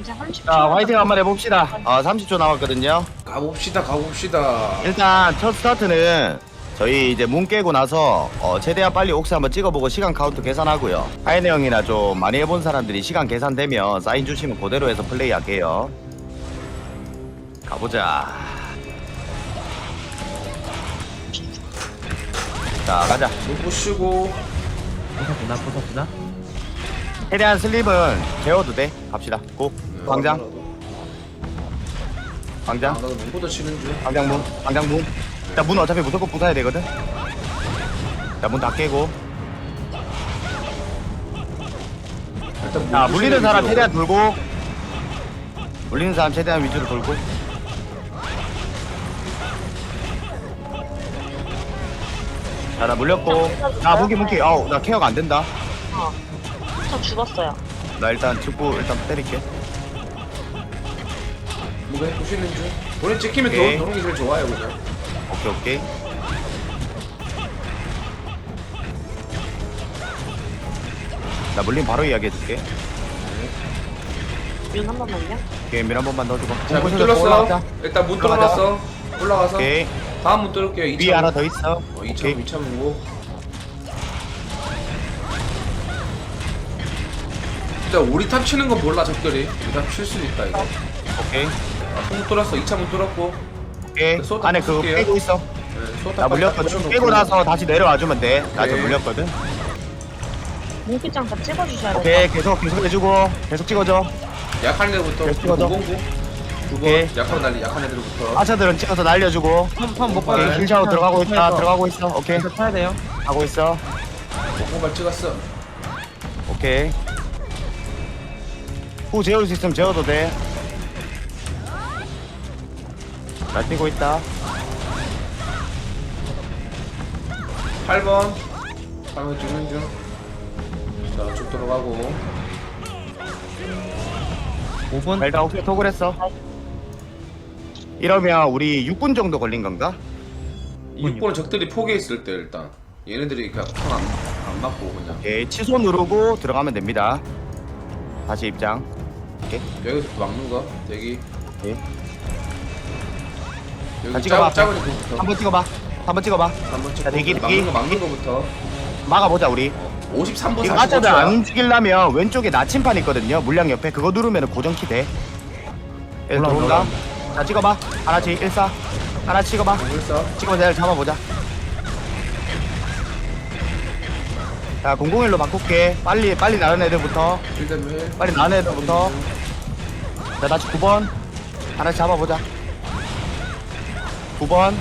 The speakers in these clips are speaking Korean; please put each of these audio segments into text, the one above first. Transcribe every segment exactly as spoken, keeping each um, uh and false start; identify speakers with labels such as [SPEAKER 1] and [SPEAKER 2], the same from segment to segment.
[SPEAKER 1] 이제 삼십 초.
[SPEAKER 2] 자, 화이팅 한번 해봅시다. 어, 삼십 초 남았거든요.
[SPEAKER 3] 가봅시다 가봅시다.
[SPEAKER 2] 일단 첫 스타트는 저희 이제 문 깨고 나서 어, 최대한 빨리 옥새 한번 찍어보고 시간 카운트 계산하고요. 하이네 형이나 좀 많이 해본 사람들이 시간 계산되면 사인 주시면 그대로 해서 플레이할게요. 가보자. 자, 가자.
[SPEAKER 3] 눈 부시고.
[SPEAKER 4] 부서지나 부서지나?
[SPEAKER 2] 최대한 슬립은 재워도 돼. 갑시다. 고.
[SPEAKER 3] 네,
[SPEAKER 2] 광장.
[SPEAKER 3] 아,
[SPEAKER 2] 광장.
[SPEAKER 3] 나도 눈보다 치는 중.
[SPEAKER 2] 광장 문. 광장 문. 자, 문 어차피 무조건 부숴야 되거든. 자, 문 다 깨고.
[SPEAKER 3] 일단
[SPEAKER 2] 자,
[SPEAKER 3] 문
[SPEAKER 2] 물리는
[SPEAKER 3] 부시는
[SPEAKER 2] 사람
[SPEAKER 3] 위주로.
[SPEAKER 2] 최대한 돌고. 물리는 사람 최대한 위주로 돌고. 자, 나 물렸고. 나 무기 무기. 어우, 나 케어가 안 된다.
[SPEAKER 1] 어. 저 죽었어요.
[SPEAKER 2] 나 일단 죽고 일단 때릴게.
[SPEAKER 3] 무게 부시는 중. 본인 찍히면
[SPEAKER 2] 오케이.
[SPEAKER 3] 도는 게 제일 좋아요 그냥.
[SPEAKER 2] 오케이, 오케이. 나 물림 바로 이야기해줄게.
[SPEAKER 1] 윤 한 번만요.
[SPEAKER 2] 오케이, 밀 한 번만 넣어주고.
[SPEAKER 3] 자, 문
[SPEAKER 2] 공부실로
[SPEAKER 3] 뚫렸어.
[SPEAKER 2] 올라가자.
[SPEAKER 3] 일단 문
[SPEAKER 2] 올라가자.
[SPEAKER 3] 뚫어놨어. 올라가서.
[SPEAKER 2] 오케이.
[SPEAKER 3] 다음 문 뚫을게요. 이 차.
[SPEAKER 2] 위에 하나 더 있어.
[SPEAKER 3] 어, 이 차,
[SPEAKER 2] 오케이.
[SPEAKER 3] 이 차 문고. 일단 우리 탑 치는 건 몰라 적들이. 우리 탑 칠 수도 있다 이거.
[SPEAKER 2] 오케이.
[SPEAKER 3] 아, 문 뚫었어. 이 차 문 뚫었고.
[SPEAKER 2] 오케이.
[SPEAKER 3] 소타
[SPEAKER 2] 안에 그거
[SPEAKER 3] 부술게요.
[SPEAKER 2] 깨고 있어.
[SPEAKER 3] 네, 소타
[SPEAKER 2] 나 물렸거든. 깨고 나서 다시 내려와주면 돼. 나 좀
[SPEAKER 3] 오케이.
[SPEAKER 2] 물렸거든.
[SPEAKER 1] 문기장 다 찍어주셔야 돼요.
[SPEAKER 2] 오케이, 계속 계속 해주고 계속 찍어줘.
[SPEAKER 3] 약한 애들부터
[SPEAKER 2] 계속 찍어줘.
[SPEAKER 3] 구공구. 두번
[SPEAKER 2] 오케이.
[SPEAKER 3] 약한 날리 약한 애들부터.
[SPEAKER 2] 아차들은 찍어서 날려주고.
[SPEAKER 4] 펌펌못
[SPEAKER 2] 오케이,
[SPEAKER 3] 네.
[SPEAKER 2] 힐샤워 들어가고 있다. 들어가고 있어. 오케이,
[SPEAKER 4] 계속 타야 돼요.
[SPEAKER 2] 하고 있어.
[SPEAKER 3] 공발 찍었어.
[SPEAKER 2] 오케이. 후 재울 수 있으면 재워도 돼. 잘 뛰고 있다.
[SPEAKER 3] 팔 번. 팔 번 찍는 중. 자, 쭉 들어가고.
[SPEAKER 4] 오 분.
[SPEAKER 2] 자, 일단 혹시 톡을 했어. 이러면 우리 육 분 정도 걸린 건가?
[SPEAKER 3] 육 번은 적들이 포기해 있을 때 일단 얘네들이 그냥 안, 안 맞고 그냥
[SPEAKER 2] 오케이, 취소 누르고 들어가면 됩니다. 다시 입장. 오케이.
[SPEAKER 3] 여기서 또 막는 거 대기.
[SPEAKER 2] 오케이. 자,
[SPEAKER 3] 여기
[SPEAKER 2] 찍어봐.
[SPEAKER 3] 작, 작은 거부터
[SPEAKER 2] 한번 찍어봐. 한번 찍어봐.
[SPEAKER 3] 한번
[SPEAKER 2] 자,
[SPEAKER 3] 찍고
[SPEAKER 2] 대기,
[SPEAKER 3] 막는
[SPEAKER 2] 대기.
[SPEAKER 3] 거 막는 거부터.
[SPEAKER 2] 막아보자 우리.
[SPEAKER 3] 오십삼 분
[SPEAKER 2] 이거
[SPEAKER 3] 사십오
[SPEAKER 2] 아차들
[SPEAKER 3] 초야.
[SPEAKER 2] 안 움직이려면 왼쪽에 나침판 있거든요. 물량 옆에 그거 누르면 고정키 돼. 얘
[SPEAKER 4] 올라온다,
[SPEAKER 2] 들어온다.
[SPEAKER 4] 올라온다.
[SPEAKER 2] 자, 찍어봐. 하나씩 일사. 하나 찍어봐.
[SPEAKER 3] 벌써
[SPEAKER 2] 찍어서 잘 잡아보자. 자, 공공일로 바꿀게. 빨리 빨리 나는 애들부터.
[SPEAKER 3] 일단
[SPEAKER 2] 빨리 나는 애들부터. 자, 다시 구 번. 하나씩 잡아보자. 구 번.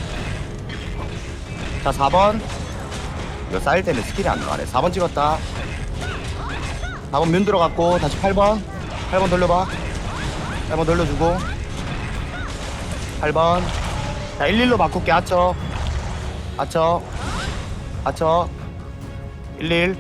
[SPEAKER 2] 자, 사 번. 이거 쌓일 때는 스킬이 안 나가네. 사 번 찍었다. 사 번 면 들어갔고, 다시 팔 번. 팔 번 돌려봐. 팔 번 돌려주고. 팔 번. 자, 일일로 바꿀게. 아쳐. 아쳐. 아쳐. 일일.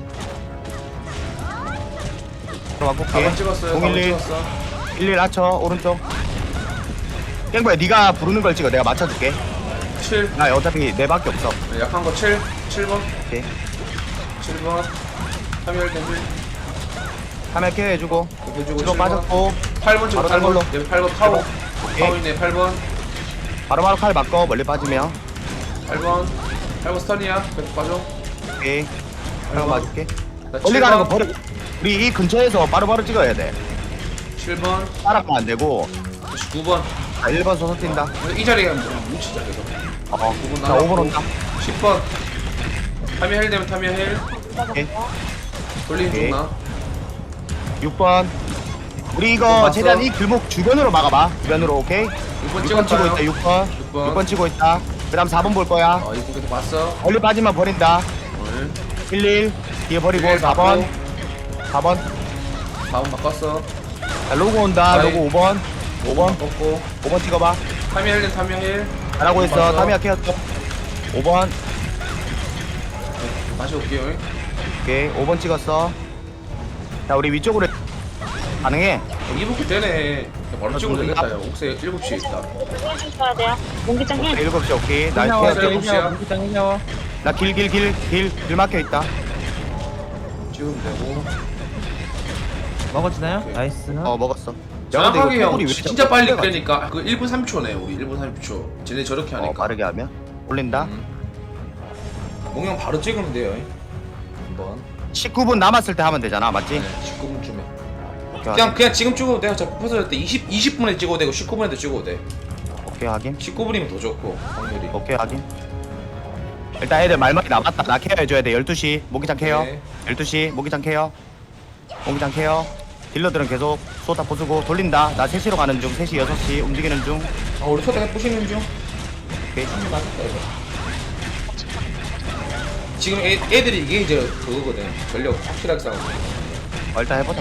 [SPEAKER 2] 또 바꿀게.
[SPEAKER 3] 사 번 찍었어요. 사 번
[SPEAKER 2] 공일일.
[SPEAKER 3] 찍었어.
[SPEAKER 2] 일일 아쳐. 오른쪽. 깽보야, 네가 부르는 걸 찍어. 내가 맞춰줄게.
[SPEAKER 3] 칠.
[SPEAKER 2] 나 어차피 네 밖에 없어.
[SPEAKER 3] 네, 약한 거 칠. 칠 번.
[SPEAKER 2] 오케이.
[SPEAKER 3] 칠 번. 삼열 대밀.
[SPEAKER 2] 카메라 케어 해주고.
[SPEAKER 3] 해주고
[SPEAKER 2] 뒤로
[SPEAKER 3] 칠 번.
[SPEAKER 2] 빠졌고.
[SPEAKER 3] 팔 번 찍어.
[SPEAKER 2] 바로
[SPEAKER 3] 팔 번.
[SPEAKER 2] 달걸로.
[SPEAKER 3] 네, 팔 번 파워.
[SPEAKER 2] 오케이.
[SPEAKER 3] 파워이네 팔 번.
[SPEAKER 2] 바로바로 칼 바꿔. 멀리 빠지면.
[SPEAKER 3] 팔 번. 팔 번 스턴이야. 계속 빠져.
[SPEAKER 2] 오케이.
[SPEAKER 3] 팔
[SPEAKER 2] 칼
[SPEAKER 3] 번.
[SPEAKER 2] 맞을게.
[SPEAKER 3] 나
[SPEAKER 2] 멀리
[SPEAKER 3] 칠
[SPEAKER 2] 가는 거
[SPEAKER 3] 번.
[SPEAKER 2] 버려. 우리 이 근처에서 바로바로 찍어야 돼.
[SPEAKER 3] 칠 번.
[SPEAKER 2] 따라가면 안 되고.
[SPEAKER 3] 다시 구 번.
[SPEAKER 2] 자, 일 번 서서 뛴다.
[SPEAKER 3] 이 자리에 가면 뭉치자 계속.
[SPEAKER 2] 어.
[SPEAKER 3] 구 번
[SPEAKER 2] 자, 오 번 온다.
[SPEAKER 3] 십 번. 타미야 헬 되면 타미야 헬.
[SPEAKER 2] 오케이.
[SPEAKER 3] 돌리는
[SPEAKER 2] 오케이.
[SPEAKER 3] 중 나.
[SPEAKER 2] 육 번. 우리
[SPEAKER 3] 육 번
[SPEAKER 2] 이거
[SPEAKER 3] 봤어?
[SPEAKER 2] 최대한 이 길목 주변으로 막아봐. 주변으로, 오케이?
[SPEAKER 3] 육 번
[SPEAKER 2] 육 번 치고
[SPEAKER 3] 찍었어요.
[SPEAKER 2] 있다, 육 번.
[SPEAKER 3] 육 번.
[SPEAKER 2] 육 번 치고 있다. 그 다음 사 번 볼 거야.
[SPEAKER 3] 어, 이거 계속 봤어.
[SPEAKER 2] 멀리 빠지면 버린다.
[SPEAKER 3] 오늘.
[SPEAKER 2] 일일. 뒤에 버리고
[SPEAKER 3] 일일
[SPEAKER 2] 사 번.
[SPEAKER 3] 받고.
[SPEAKER 2] 사 번.
[SPEAKER 3] 사 번 바꿨어.
[SPEAKER 2] 자, 로고 온다.
[SPEAKER 3] 아이.
[SPEAKER 2] 로고 오 번. 오 번.
[SPEAKER 3] 바꿨고.
[SPEAKER 2] 오 번 찍어봐.
[SPEAKER 3] 타미야 헬 되면 타미야 헬.
[SPEAKER 2] 잘하고 있어.
[SPEAKER 3] 봤어.
[SPEAKER 2] 타미야 케어쳐. 오 번.
[SPEAKER 3] 다시 올게요.
[SPEAKER 2] 오케이. 오 번 찍었어. 자, 우리 위쪽으로 가능해.
[SPEAKER 3] 이분 그때네. 바로
[SPEAKER 2] 아,
[SPEAKER 3] 찍으면
[SPEAKER 2] 좀
[SPEAKER 3] 되겠다. 야. 옥새 일곱 시에 있다.
[SPEAKER 1] 해주셔야 돼요. 문기장 힐.
[SPEAKER 2] 일곱 시 오케이. 나
[SPEAKER 4] 힐샤워
[SPEAKER 2] 케어.
[SPEAKER 3] 일곱 시야.
[SPEAKER 4] 문기장 힐샤워.
[SPEAKER 2] 나 길 길 길 길 길 막혀 있다.
[SPEAKER 3] 찍으면 되고.
[SPEAKER 4] 먹어지나요?
[SPEAKER 3] 오케이.
[SPEAKER 4] 나이스.
[SPEAKER 2] 어 먹었어. 야, 근데
[SPEAKER 3] 정확하게
[SPEAKER 2] 이거
[SPEAKER 3] 형
[SPEAKER 2] 토굴이 왜
[SPEAKER 3] 진짜
[SPEAKER 2] 자꾸
[SPEAKER 3] 빨리
[SPEAKER 2] 끌려가지?
[SPEAKER 3] 끄니까 그 일 분 삼십 초네 우리 일 분 삼십 초 쟤네 저렇게
[SPEAKER 2] 어
[SPEAKER 3] 하니까
[SPEAKER 2] 빠르게 하면 올린다.
[SPEAKER 3] 음. 몽형 바로 찍으면 돼요 한번
[SPEAKER 2] 십구 분 남았을 때 하면 되잖아, 맞지?
[SPEAKER 3] 네, 십구 분쯤에
[SPEAKER 2] 오케이
[SPEAKER 3] 그냥 그냥 지금 찍어도 돼요 어차피 퍼즐 때 이십, 이십 분에 찍어도 되고 십구 분에도 찍어도 돼
[SPEAKER 2] 확인. 오케이 확인.
[SPEAKER 3] 십구 분이면 더 좋고 확률이
[SPEAKER 2] 오케이 확인. 일단 애들 말머리 남았다. 나 케어 해줘야 돼. 열두 시 모기장 케어.
[SPEAKER 3] 네.
[SPEAKER 2] 열두 시 모기장 케어. 모기장 케어. 딜러들은 계속 쏘다 부수고 돌린다. 나 세 시로 가는 중. 세 시, 여섯 시 움직이는 중.
[SPEAKER 3] 아 우리 초대 부시는 중
[SPEAKER 2] 오케이.
[SPEAKER 3] 맞았다 이거 지금 애, 애들이 이게 이제 그거거든 전력 확실하게 싸우고
[SPEAKER 2] 어, 일단 해보자.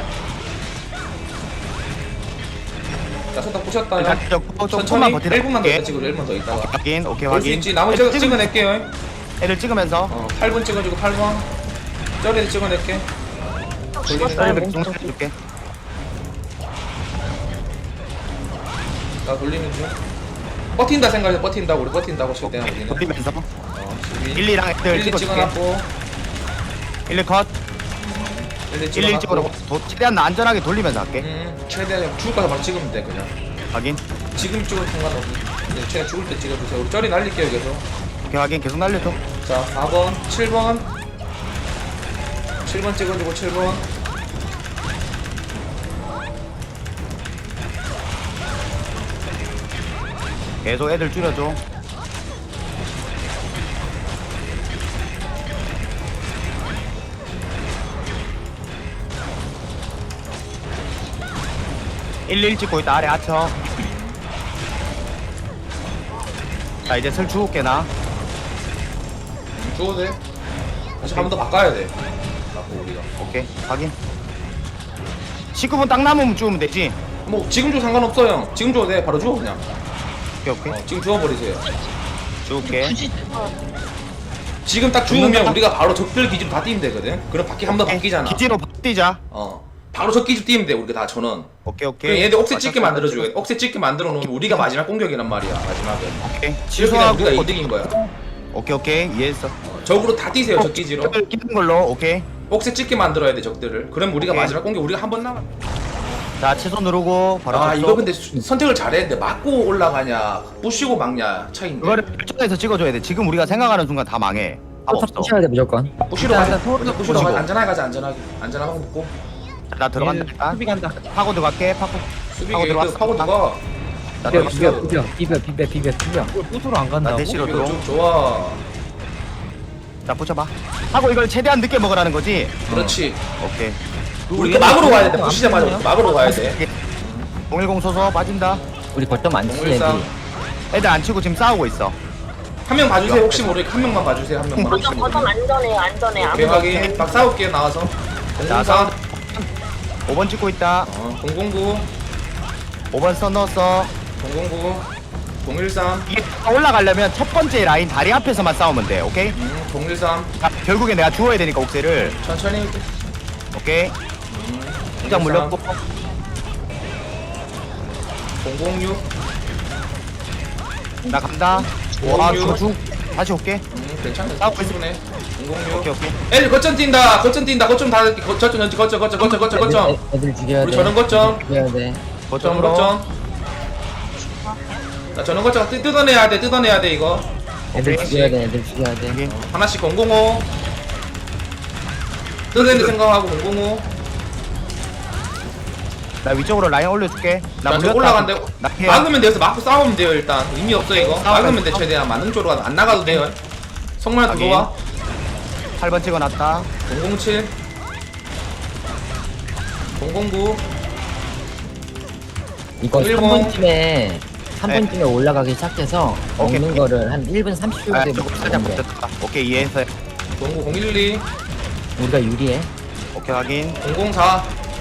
[SPEAKER 3] 자 손딱 부셨다
[SPEAKER 2] 일단
[SPEAKER 3] 형
[SPEAKER 2] 좀, 좀
[SPEAKER 3] 천천히
[SPEAKER 2] 조금만 버티다.
[SPEAKER 3] 일 분만 더
[SPEAKER 2] 오케이.
[SPEAKER 3] 있다 찍어 일 분 더 있다가
[SPEAKER 2] 확인. 오케이
[SPEAKER 3] 볼 수
[SPEAKER 2] 확인.
[SPEAKER 3] 있지 나머지
[SPEAKER 2] 애들
[SPEAKER 3] 찍어,
[SPEAKER 2] 찍으면-
[SPEAKER 3] 찍어낼게요 형.
[SPEAKER 2] 애들 찍으면서.
[SPEAKER 3] 어 팔 분 찍어주고 팔 분 저리도 찍어낼게
[SPEAKER 1] 죽었어요.
[SPEAKER 2] 애들
[SPEAKER 1] 몽기
[SPEAKER 2] 중
[SPEAKER 1] 쪽.
[SPEAKER 2] 해줄게.
[SPEAKER 3] 나 돌리는 중 버틴다 생각해 버틴다고 우리 버틴다고 칠 때는 우리는
[SPEAKER 2] 돌리면서.
[SPEAKER 3] 어 십이
[SPEAKER 2] 일, 이랑 애들
[SPEAKER 3] 일, 이
[SPEAKER 2] 찍어줄게.
[SPEAKER 3] 찍어놨고
[SPEAKER 2] 일, 이 컷.
[SPEAKER 3] 일, 이
[SPEAKER 2] 일, 일 찍어놓고
[SPEAKER 3] 찍어놨고
[SPEAKER 2] 도- 최대한 나 안전하게 돌리면서 할게.
[SPEAKER 3] 음 최대한 형 죽을 거서 바로 찍으면 돼 그냥
[SPEAKER 2] 확인.
[SPEAKER 3] 지금 찍어도 상관없어 근데 최대한 죽을 때 찍어주세요 우리 쩌리 날릴게요 계속
[SPEAKER 2] 오케이 확인. 계속 날려줘.
[SPEAKER 3] 자 사 번 칠 번 칠 번 찍어주고 칠 번
[SPEAKER 2] 계속 애들 줄여줘. 일, 일 찍고 있다. 아래 아쳐. 자 이제 슬 주울게 나.
[SPEAKER 3] 죽어도 돼 다시 한 번 더 바꿔야 돼 바꿔 우리가
[SPEAKER 2] 오케이 확인. 십구 분 딱 남으면 주우면 되지.
[SPEAKER 3] 뭐 지금 줘 상관없어 형 지금 줘도 돼 바로 줘 그냥
[SPEAKER 2] 오케이 오케이.
[SPEAKER 3] 어, 지금 주워버리세요
[SPEAKER 2] 주울게.
[SPEAKER 1] 굳이
[SPEAKER 3] 지금 딱 죽으면
[SPEAKER 2] 죽는다.
[SPEAKER 3] 우리가 바로 적들 기지로 다 뛰면 되거든 그럼 바퀴 한 번 더 바뀌잖아
[SPEAKER 2] 기지로 뛰자.
[SPEAKER 3] 어 바로 적 기지 뛰면 돼 우리가 다 전원
[SPEAKER 2] 오케이
[SPEAKER 3] 그럼
[SPEAKER 2] 오케이.
[SPEAKER 3] 얘들 억세 찍게 만들어줘야 돼 억세 찍게 만들어 놓으면 우리가 마지막 공격이란 말이야 마지막에
[SPEAKER 2] 오케이.
[SPEAKER 3] 지금 그냥 우리가
[SPEAKER 2] 취소하고.
[SPEAKER 3] 이득인 거야
[SPEAKER 2] 오케이 오케이 이해했어.
[SPEAKER 3] 적으로 다 뛰세요 적 기지로
[SPEAKER 2] 적을 끼는 걸로 오케이.
[SPEAKER 3] 억세 찍게 만들어야 돼 적들을 그럼 우리가
[SPEAKER 2] 오케이.
[SPEAKER 3] 마지막 공격 우리가 한 번 남아
[SPEAKER 2] 자 취소 누르고 바로
[SPEAKER 3] 아
[SPEAKER 2] 접속.
[SPEAKER 3] 이거 근데 수- 선택을 잘했는데 맞고 올라가냐 부시고 막냐 차이인데
[SPEAKER 2] 그거를 결정해서 찍어줘야 돼. 지금 우리가 생각하는 순간 다 망해. 답 없어.
[SPEAKER 5] 부셔야 돼 무조건.
[SPEAKER 3] 부시로
[SPEAKER 4] 일단
[SPEAKER 3] 가자
[SPEAKER 4] 일단 토르도
[SPEAKER 3] 부시로
[SPEAKER 2] 부시고.
[SPEAKER 3] 가자 안전하게 가자 안전하게 안전하게 먹고
[SPEAKER 2] 나 들어간다.
[SPEAKER 4] 얘
[SPEAKER 2] 일단.
[SPEAKER 4] 수비 간다.
[SPEAKER 2] 파고 들어갈게. 파고.
[SPEAKER 3] 수비
[SPEAKER 2] 파고
[SPEAKER 3] 게이트
[SPEAKER 2] 들어왔어.
[SPEAKER 3] 파고 들어가
[SPEAKER 2] 나
[SPEAKER 5] 비벼
[SPEAKER 2] 들어갔어.
[SPEAKER 5] 비벼 비벼 비벼 비벼 비벼 비벼.
[SPEAKER 4] 이걸 부수로 안
[SPEAKER 2] 나
[SPEAKER 4] 간다고?
[SPEAKER 2] 대시로
[SPEAKER 3] 수비가
[SPEAKER 2] 들어.
[SPEAKER 3] 좀 좋아
[SPEAKER 2] 자 붙여봐. 하고 이걸 최대한 늦게 먹으라는 거지.
[SPEAKER 3] 그렇지
[SPEAKER 2] 오케이.
[SPEAKER 3] 우리 그 막으로 가야 돼 부시자마자 우리 막으로 가야 돼
[SPEAKER 2] 공일공 소소 빠진다.
[SPEAKER 5] 우리 거점 안 치네.
[SPEAKER 3] 공일상
[SPEAKER 2] 애들 안 치고 지금 싸우고 있어.
[SPEAKER 3] 한 명 봐주세요 혹시 모르니까 한 명만 봐주세요 한 명만 혹시
[SPEAKER 1] 거점 거점
[SPEAKER 3] 모르니까
[SPEAKER 1] 안전해요 안전해.
[SPEAKER 3] 오케이
[SPEAKER 1] 아무
[SPEAKER 3] 확인 막 싸울게요 나와서
[SPEAKER 2] 자,
[SPEAKER 3] 공공사
[SPEAKER 2] 오 번 찍고 있다.
[SPEAKER 3] 어, 공공구
[SPEAKER 2] 오 번 써 넣었어.
[SPEAKER 3] 공공구 공일삼
[SPEAKER 2] 이게 올라가려면 첫 번째 라인 다리 앞에서만 싸우면 돼. 오케이?
[SPEAKER 3] 음, 공일삼
[SPEAKER 2] 자, 결국에 내가 주워야 되니까 옥새를.
[SPEAKER 3] 천천히
[SPEAKER 2] 오케이. 시작 물렸고.
[SPEAKER 3] 공공육
[SPEAKER 2] 나 간다. 와,
[SPEAKER 3] 공공육.
[SPEAKER 2] 주, 주. 다시 올게.
[SPEAKER 3] 음 괜찮아
[SPEAKER 2] 싸우고 있어.
[SPEAKER 3] 충분해 공공육
[SPEAKER 2] 오케이, 오케이.
[SPEAKER 3] 애들 거점 뛴다 거점 뛴다 거점 다 거- 저점 전지 거점 거점 거점 거점 거점
[SPEAKER 5] 애들, 애들 죽여야 돼.
[SPEAKER 3] 우리 저런 거점.
[SPEAKER 5] 죽여야 돼.
[SPEAKER 3] 거점
[SPEAKER 2] 거점으로.
[SPEAKER 3] 거점 자 저런 거점 뜯- 뜯어내야 돼 뜯어내야 돼 이거
[SPEAKER 5] 애들
[SPEAKER 2] 오케이.
[SPEAKER 5] 죽여야 돼. 애들 죽여야 돼.
[SPEAKER 2] 여기.
[SPEAKER 3] 하나씩 공공오 뜯어내는 생각하고 공공오
[SPEAKER 2] 나 위쪽으로 라인 올려줄게. 나
[SPEAKER 3] 나
[SPEAKER 2] 물렸다.
[SPEAKER 3] 올라간대
[SPEAKER 2] 나 피해.
[SPEAKER 3] 막으면 돼서 막고 싸우면 돼요 일단 의미 없어 이거
[SPEAKER 2] 싸우면
[SPEAKER 3] 막으면 돼
[SPEAKER 2] 싸우-
[SPEAKER 3] 최대한 맞는 쪽으로 안 나가도 돼요 성만
[SPEAKER 2] 확인.
[SPEAKER 3] 들어와
[SPEAKER 2] 팔 번 찍어놨다.
[SPEAKER 3] 공공칠 공공구
[SPEAKER 5] 이거
[SPEAKER 3] 일본.
[SPEAKER 5] 삼 분쯤에 삼
[SPEAKER 2] 네.
[SPEAKER 5] 분쯤에 올라가기 시작해서
[SPEAKER 2] 오케이.
[SPEAKER 5] 먹는 거를 한 일 분 삼십 초
[SPEAKER 2] 아,
[SPEAKER 5] 정도
[SPEAKER 2] 조금 살짝
[SPEAKER 5] 먹으면 돼.
[SPEAKER 2] 붙였다. 오케이, 이해했어.
[SPEAKER 3] 공구 공일이
[SPEAKER 5] 우리가 유리해.
[SPEAKER 2] 오케이, 확인.
[SPEAKER 3] 공공사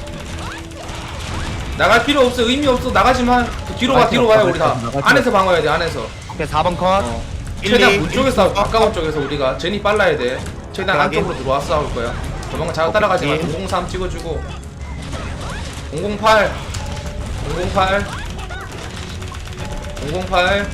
[SPEAKER 3] 나갈 필요 없어 의미 없어 나가지만 그 뒤로 가
[SPEAKER 5] 나갈
[SPEAKER 3] 뒤로
[SPEAKER 5] 필요
[SPEAKER 3] 가요
[SPEAKER 5] 없어,
[SPEAKER 3] 우리 다
[SPEAKER 5] 나갈 필요
[SPEAKER 3] 안에서 방어해야 돼 안에서
[SPEAKER 2] 오케이, 사 번 컷.
[SPEAKER 3] 어.
[SPEAKER 2] 일,
[SPEAKER 3] 최대한
[SPEAKER 2] 이,
[SPEAKER 3] 문
[SPEAKER 2] 일,
[SPEAKER 3] 쪽에서
[SPEAKER 2] 이,
[SPEAKER 3] 가까운 쪽에서 우리가 제니 빨라야 돼 최대한
[SPEAKER 2] 오케이,
[SPEAKER 3] 안쪽으로 들어와 싸울 거야 도망가 잘 따라가지 마
[SPEAKER 2] 오케이.
[SPEAKER 3] 공공삼 찍어주고 공공팔 공공팔 공공팔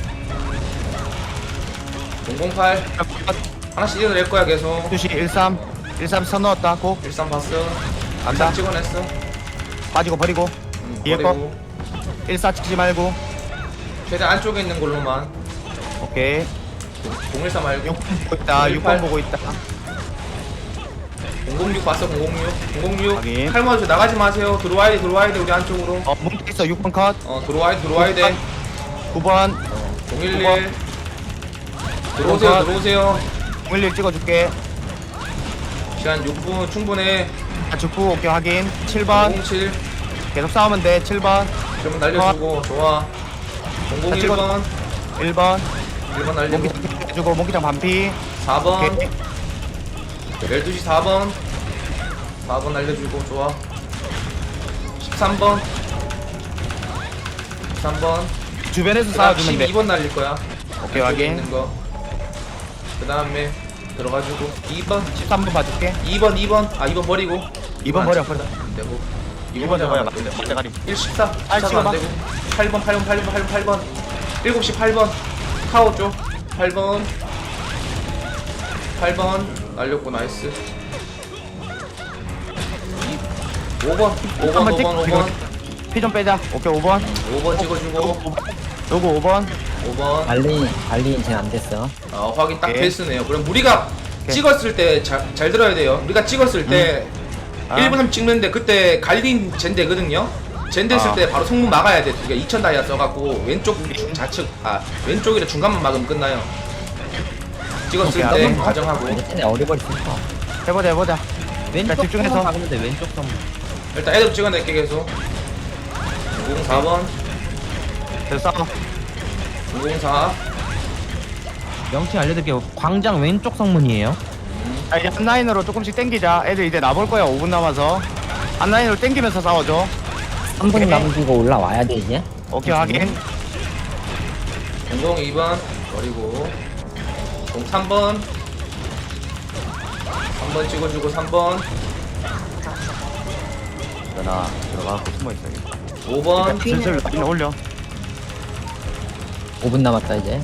[SPEAKER 3] 공공팔 하나씩 찍어낼 거야 계속
[SPEAKER 2] 두 시 일삼. 일삼 선 넣었다. 고.
[SPEAKER 3] 일삼 봤어
[SPEAKER 2] 간다.
[SPEAKER 3] 일삼 찍어냈어
[SPEAKER 2] 빠지고 버리고
[SPEAKER 3] 음,
[SPEAKER 2] 뒤에
[SPEAKER 3] 버리고.
[SPEAKER 2] 일사 찍지 말고.
[SPEAKER 3] 최대한 안쪽에 있는 걸로만.
[SPEAKER 2] 오케이.
[SPEAKER 3] 공일사 말고.
[SPEAKER 2] 육 번 보고 있다. 육 번 보고 있다.
[SPEAKER 3] 공공육 봤어 공공육. 공공육.
[SPEAKER 2] 확인.
[SPEAKER 3] 칼모아주 나가지 마세요. 들어와야 돼 들어와야 돼 우리 안쪽으로.
[SPEAKER 2] 어 뭉쳐 있어. 육 번 컷.
[SPEAKER 3] 어 들어와야 돼 들어와야 돼.
[SPEAKER 2] 구 번.
[SPEAKER 3] 공일일. 들어오세요 들어오세요.
[SPEAKER 2] 공일일 찍어줄게.
[SPEAKER 3] 시간 육 분 충분해.
[SPEAKER 2] 아, 죽고 오케이 확인. 칠 번.
[SPEAKER 3] 공공칠.
[SPEAKER 2] 계속 싸우면 돼. 칠 번.
[SPEAKER 3] 그러면 날려주고 좋아. 공공일 번.
[SPEAKER 2] 일 번.
[SPEAKER 3] 일 번 날리고.
[SPEAKER 2] 몽기장 해주고 몽기장 반피.
[SPEAKER 3] 사 번.
[SPEAKER 2] 오케이.
[SPEAKER 3] 열두 시 사 번. 사 번 날려주고 좋아. 십삼 번. 십삼 번.
[SPEAKER 2] 주변에서 싸워주면 돼.
[SPEAKER 3] 십이 번 날릴 거야.
[SPEAKER 2] 오케이,
[SPEAKER 3] 안쪽에
[SPEAKER 2] 확인.
[SPEAKER 3] 있는 거. 그 다음에 들어가지고 이 번.
[SPEAKER 2] 십삼 번 봐줄게.
[SPEAKER 3] 이 번 이 번. 아 이 번 버리고.
[SPEAKER 2] 이 번 버려 버려.
[SPEAKER 3] 안 되고.
[SPEAKER 2] 이 번 잡아야 돼. 대가리.
[SPEAKER 3] 일, 십사.
[SPEAKER 2] 아,
[SPEAKER 3] 십사도
[SPEAKER 2] 찍어봐.
[SPEAKER 3] 안 되고. 팔 번 팔 번 팔 번 팔 번 팔 번. 일곱 시 팔 번. 카오 쪽. 팔 번. 팔 번. 날렸고 나이스. 오 번. 오 번 오 번 오 번.
[SPEAKER 2] 피 좀 빼자. 오케이 오 번.
[SPEAKER 3] 오 번 찍어주고.
[SPEAKER 2] 요거 오 번.
[SPEAKER 3] 오 번.
[SPEAKER 5] 관리 관리 이제 안 됐어.
[SPEAKER 3] 어, 확인 딱
[SPEAKER 2] 오케이.
[SPEAKER 3] 됐으네요. 그럼 우리가
[SPEAKER 2] 오케이.
[SPEAKER 3] 찍었을 때 잘 들어야 돼요. 우리가 찍었을 때
[SPEAKER 2] 아.
[SPEAKER 3] 일 분 삼 찍는데 그때 갈린 젠데거든요. 젠데 했을
[SPEAKER 2] 아.
[SPEAKER 3] 때 바로 성문 막아야 돼. 우리가 이천 다이아 써갖고 왼쪽 주- 좌측 아 왼쪽이라 중간만 막으면 끝나요. 찍었을
[SPEAKER 2] 오케이,
[SPEAKER 3] 때
[SPEAKER 2] 알았어.
[SPEAKER 3] 가정하고
[SPEAKER 5] 쟤네 어리버리 슬퍼.
[SPEAKER 2] 해보자 해보자.
[SPEAKER 4] 왼쪽
[SPEAKER 2] 집중해서.
[SPEAKER 4] 선문 박으면 돼. 왼쪽 선문.
[SPEAKER 3] 일단 애들 찍어낼게 계속. 공공사 번
[SPEAKER 2] 됐어.
[SPEAKER 3] 공공사
[SPEAKER 4] 명칭 알려드릴게요. 광장 왼쪽 성문이에요.
[SPEAKER 2] 자 이제 한라인으로 조금씩 땡기자. 애들 이제 나볼 거야. 오 분 남아서. 한라인으로 땡기면서 싸워줘.
[SPEAKER 5] 삼 분 남기고 올라와야 돼 이제.
[SPEAKER 2] 오케이 확인.
[SPEAKER 3] 공공이 번 버리고 공삼 번 삼 번 찍어주고 삼 번
[SPEAKER 2] 나 들어가고 숨어 있어야겠다.
[SPEAKER 3] 오 번
[SPEAKER 2] 슬슬 라인 올려.
[SPEAKER 5] 오 분 남았다 이제.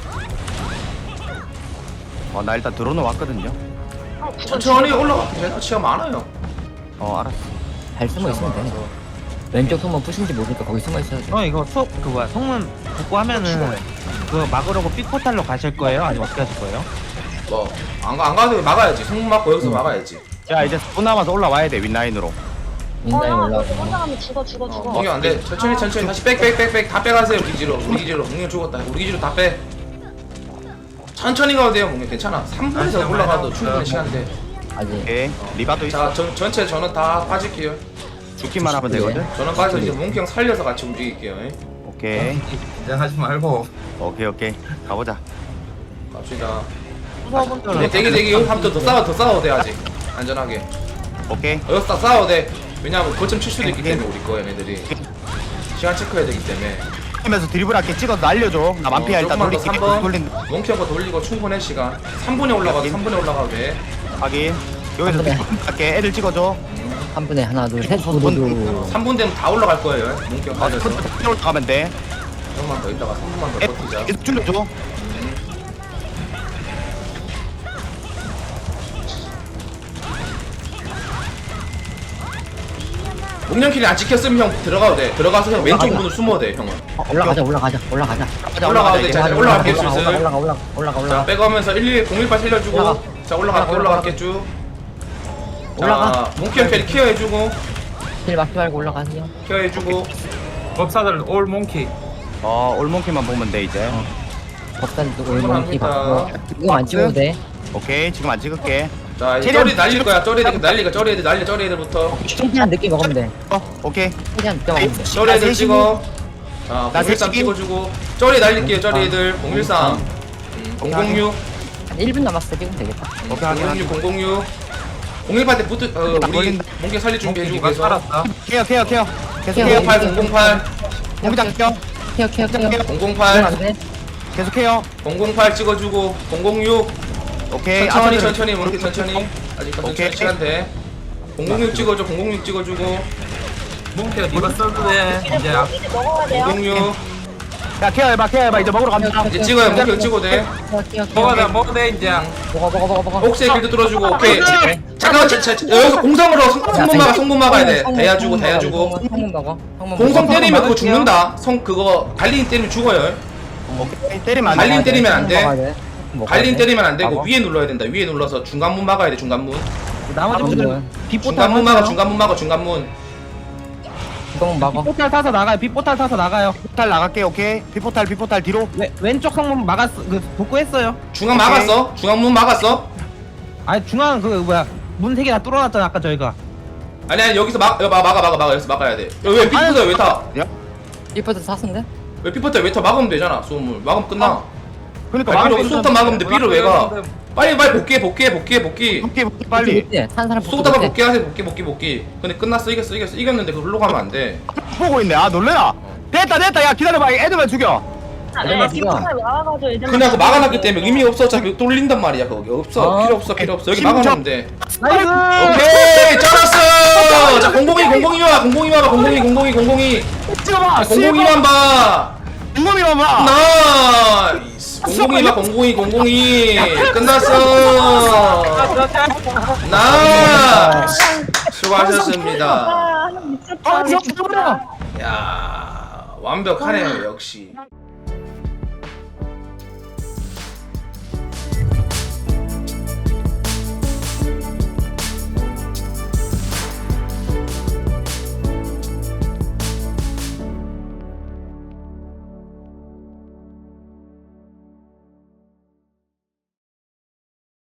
[SPEAKER 2] 어 나 일단 들어오는 왔거든요.
[SPEAKER 3] 천천히 올라가. 제너치가 많아요.
[SPEAKER 2] 어 알았어.
[SPEAKER 5] 잘 숨어 있으면 돼. 왼쪽 손만 부신지 모르니까 거기 숨어 있어야 돼.
[SPEAKER 4] 어 이거 수업 그 뭐야 성문 복구 하면은 그 막으려고 삐포탈로 가실 거예요? 아니면 어떻게 하실 거예요?
[SPEAKER 3] 뭐안 안 가도 막아야지. 성문 막고 여기서 막아야지.
[SPEAKER 2] 자 이제 사 분 남아서 올라와야 돼 윗라인으로.
[SPEAKER 1] 어,
[SPEAKER 5] 윈다이
[SPEAKER 1] 형, 너
[SPEAKER 5] 올라오고.
[SPEAKER 1] 혼자 가면 죽어, 죽어,
[SPEAKER 3] 어,
[SPEAKER 1] 죽어.
[SPEAKER 3] 공이 안 돼. 천천히 천천히 다시 백 백 백 백 다 빼가세요. 우리 기지로 우리 기지로. 공이 죽었다. 우리 기지로 다 빼. 천천히 가도 돼요. 공이 괜찮아. 삼 분에서 올라가도 충분히 시간 돼.
[SPEAKER 5] 아직.
[SPEAKER 2] 오케이. 리바도 있어.
[SPEAKER 3] 자 전, 전체 전원 다 빠질게요.
[SPEAKER 2] 죽기만 하면 되거든.
[SPEAKER 3] 전원 빠져서 이제 몽키 형 살려서 같이 움직일게요. 예.
[SPEAKER 2] 오케이.
[SPEAKER 6] 긴장하지 말고
[SPEAKER 2] 오케이 오케이. 가보자.
[SPEAKER 3] 갑시다.
[SPEAKER 4] 수업분들은
[SPEAKER 3] 네, 대기 대기 여기 한번 더 싸워 더 싸워도 돼 아직. 안전하게.
[SPEAKER 2] 오케이.
[SPEAKER 3] 여기서 다 싸워도 돼. 왜냐면 거점 칠 수도 있기 때문에 우리 거 얘네들이. 시간 체크해야 되기 때문에.
[SPEAKER 2] 하면서 드리블 할게 찍어서 날려줘. 나 만피야
[SPEAKER 3] 어,
[SPEAKER 2] 일단
[SPEAKER 3] 조금만 더
[SPEAKER 2] 돌릴게.
[SPEAKER 3] 삼 번.
[SPEAKER 2] 돌린.
[SPEAKER 3] 몽키 형거 돌리고 충분해 시간. 삼 분에 올라가도 삼 분에 올라가도 돼.
[SPEAKER 2] 확인. 여기서
[SPEAKER 5] 한 번에.
[SPEAKER 2] 드리블 할게. 애들 찍어줘.
[SPEAKER 5] 한 분에 하나 둘 셋.
[SPEAKER 2] 분,
[SPEAKER 5] 두두두.
[SPEAKER 3] 삼 분 되면 다 올라갈 거예요. 몽키 형 빠져서.
[SPEAKER 2] 컨트롤 올라가면 돼.
[SPEAKER 3] 조금만 더 있다가 삼 분만 더
[SPEAKER 2] 애
[SPEAKER 3] 버티자.
[SPEAKER 2] 계속 줄여줘.
[SPEAKER 3] 목련킬이 안 찍혔으면 형 들어가도 돼. 들어가서 형 왼쪽
[SPEAKER 5] 올라가자.
[SPEAKER 3] 문으로 숨어도 돼 형은.
[SPEAKER 5] 어, 올라가자 올라가자 올라가자.
[SPEAKER 2] 가자,
[SPEAKER 3] 올라가도 돼.
[SPEAKER 2] 이제.
[SPEAKER 3] 자,
[SPEAKER 2] 가자,
[SPEAKER 3] 올라갈게,
[SPEAKER 5] 올라가
[SPEAKER 3] 슬슬.
[SPEAKER 5] 올라가 올라가 올라가 올라가
[SPEAKER 3] 자
[SPEAKER 5] 올라가.
[SPEAKER 3] 빼가면서 일일 공일팔 살려주고.
[SPEAKER 5] 올라가.
[SPEAKER 3] 자 올라갈게
[SPEAKER 5] 올라가,
[SPEAKER 3] 올라갈게 쭉.
[SPEAKER 5] 올라가.
[SPEAKER 3] 자 몽키 형 캐리 케어해주고
[SPEAKER 5] 길 막지 말고 올라가세요.
[SPEAKER 3] 케어해주고.
[SPEAKER 6] 법사들 올 몽키
[SPEAKER 2] 어 올몬키만 보면 돼 이제.
[SPEAKER 5] 법사들도 올몬키
[SPEAKER 3] 충분합니다.
[SPEAKER 5] 받고. 이거 안 찍어도 돼.
[SPEAKER 2] 오케이 지금 안 찍을게.
[SPEAKER 3] 자 이제
[SPEAKER 2] 최대한
[SPEAKER 3] 쩌리 날릴 거야. 쩌리 애들 날리가 쩌리 애들 날려 쩌리 애들부터.
[SPEAKER 5] 최대한 늦게 먹으면 돼.
[SPEAKER 2] 어 오케이.
[SPEAKER 5] 최대한 늦게 먹으면 돼.
[SPEAKER 3] 쩌리 애들 찍어. 자
[SPEAKER 2] 나
[SPEAKER 3] 공일삼
[SPEAKER 2] 셋이.
[SPEAKER 3] 찍어주고. 쩌리 날릴게요 쩌리 애들. 공일삼. 음, 공공육.
[SPEAKER 5] 한 일 분 남았을 때 찍으면 되겠다.
[SPEAKER 2] 오케이 확인.
[SPEAKER 3] 공공육 공공육. 공일팔 때 붙을 어
[SPEAKER 2] 나
[SPEAKER 3] 우리
[SPEAKER 2] 걸린다.
[SPEAKER 3] 몽키 살릴 준비해주고
[SPEAKER 6] 누가
[SPEAKER 3] 계속.
[SPEAKER 6] 살았다
[SPEAKER 2] 케어 케어 케어. 계속
[SPEAKER 5] 케어.
[SPEAKER 2] 케어.
[SPEAKER 3] 공공팔 공공팔
[SPEAKER 2] 공장 케어.
[SPEAKER 5] 케어 케어 케어. 이건
[SPEAKER 3] 공공팔
[SPEAKER 5] 안 돼.
[SPEAKER 2] 계속 케어.
[SPEAKER 3] 공공팔 찍어주고 공공육
[SPEAKER 2] 오케이.
[SPEAKER 3] 천천히
[SPEAKER 2] 아까들은-
[SPEAKER 3] 천천히 몽키 천천히 아직
[SPEAKER 2] 오케이.
[SPEAKER 3] 천천히 시간 돼. 공공육 찍어줘 공공육 찍어주고
[SPEAKER 6] 몽키가 니가 써도 돼 이제 앞
[SPEAKER 1] 이제 먹어야 돼요.
[SPEAKER 3] 공공육
[SPEAKER 2] 야 케어해봐 케어해봐 이제 먹으러 갑니다.
[SPEAKER 3] 이제 찍어요 몽키 찍어도 돼.
[SPEAKER 5] 케어 케어 케어.
[SPEAKER 6] 먹어야 돼 먹어야 돼 이제
[SPEAKER 5] 먹어 먹어 먹어 먹어.
[SPEAKER 3] 옥새 길드 뚫어주고 오케이
[SPEAKER 2] 아,
[SPEAKER 3] 자 잠깐만 자, 자, 자, 여기서 공성으로 성- 성문 막아 성문 막아야 돼. 대야 주고 대야 주고.
[SPEAKER 5] 성문 막아. 성문
[SPEAKER 3] 공성
[SPEAKER 5] 막아.
[SPEAKER 3] 때리면 그거 죽는다. 성 그거 갈린 때리면 죽어요.
[SPEAKER 2] 오케이 때리면 안
[SPEAKER 3] 갈린
[SPEAKER 2] 돼.
[SPEAKER 3] 때리면 안
[SPEAKER 5] 성문 막아야
[SPEAKER 3] 돼.
[SPEAKER 5] 돼. 성문
[SPEAKER 3] 갈린
[SPEAKER 5] 막아야 돼.
[SPEAKER 3] 때리면 안 되고
[SPEAKER 5] 막아.
[SPEAKER 3] 위에 눌러야 된다. 위에 눌러서 중간문 막아야 돼. 중간문.
[SPEAKER 4] 나머지
[SPEAKER 5] 아,
[SPEAKER 4] 분들
[SPEAKER 5] 뭐야.
[SPEAKER 4] 빗포탈
[SPEAKER 3] 중간문 막아.
[SPEAKER 4] 타세요.
[SPEAKER 3] 중간문 막아. 중간문.
[SPEAKER 5] 성문 막아.
[SPEAKER 4] 빗포탈 타서 나가요. 빗포탈 타서 나가요.
[SPEAKER 2] 포탈 나갈게. 오케이 피포탈 피포탈 뒤로.
[SPEAKER 4] 왼 왼쪽 성문 막았 그 복구했어요.
[SPEAKER 3] 중간
[SPEAKER 2] 오케이.
[SPEAKER 3] 막았어. 중간문 막았어.
[SPEAKER 4] 아니 중앙 그 뭐야 문 세 개 다 뚫어놨잖아 아까 저희가.
[SPEAKER 3] 아니 아니 여기서 막 여기 막 막아 막아 막아 여기서 막아야 돼. 여기 왜 피부터 왜 타?
[SPEAKER 5] 이퍼트 샀는데?
[SPEAKER 3] 왜 피부터 왜 타? 막으면 되잖아. 소음을 막으면 끝나.
[SPEAKER 2] 그러니까
[SPEAKER 3] 아니,
[SPEAKER 2] 막을
[SPEAKER 3] 비로
[SPEAKER 2] 수
[SPEAKER 3] 수도탄 막으면 돼. 비로 왜 가? 빨리 빨리 복귀해 복귀해 복귀해 복귀.
[SPEAKER 2] 복귀 복귀 빨리.
[SPEAKER 5] 못해. 산 사람 복귀
[SPEAKER 3] 수도탄만
[SPEAKER 5] 못해.
[SPEAKER 3] 복귀하세요. 복귀 복귀 복귀. 근데 끝났어. 이겼어 이겼어 이겼는데 그걸로 가면 안 돼.
[SPEAKER 2] 보고 있네. 아 놀래라. 됐다 됐다. 야 기다려봐. 애들만 죽여.
[SPEAKER 1] 네,
[SPEAKER 5] 누가?
[SPEAKER 1] 피부탈 막아가지고 애들.
[SPEAKER 3] 그냥 그 막아놨기 때문에 의미 없어. 어차피 뚫린단 말이야 거기. 없어.
[SPEAKER 5] 아.
[SPEAKER 3] 필요 없어 필요 없어. 여기
[SPEAKER 2] 심지어-
[SPEAKER 3] 막아놓으면 돼.
[SPEAKER 4] 나이스.
[SPEAKER 3] 오케이 잘랐어. 자 공공이 공공이 와 공공이 와봐 공공이 공공이 공공이.
[SPEAKER 2] 찍어봐.
[SPEAKER 3] 공공이만 봐.
[SPEAKER 2] 공공이만 봐.
[SPEAKER 3] 나이스. 공공이 봐 공공이 공공이. 끝났어. 나이스. 수고하셨습니다.
[SPEAKER 1] 아, 미쳤다.
[SPEAKER 2] 아,
[SPEAKER 1] 미쳤다.
[SPEAKER 2] 미쳤다.
[SPEAKER 3] 야 완벽하네요 역시.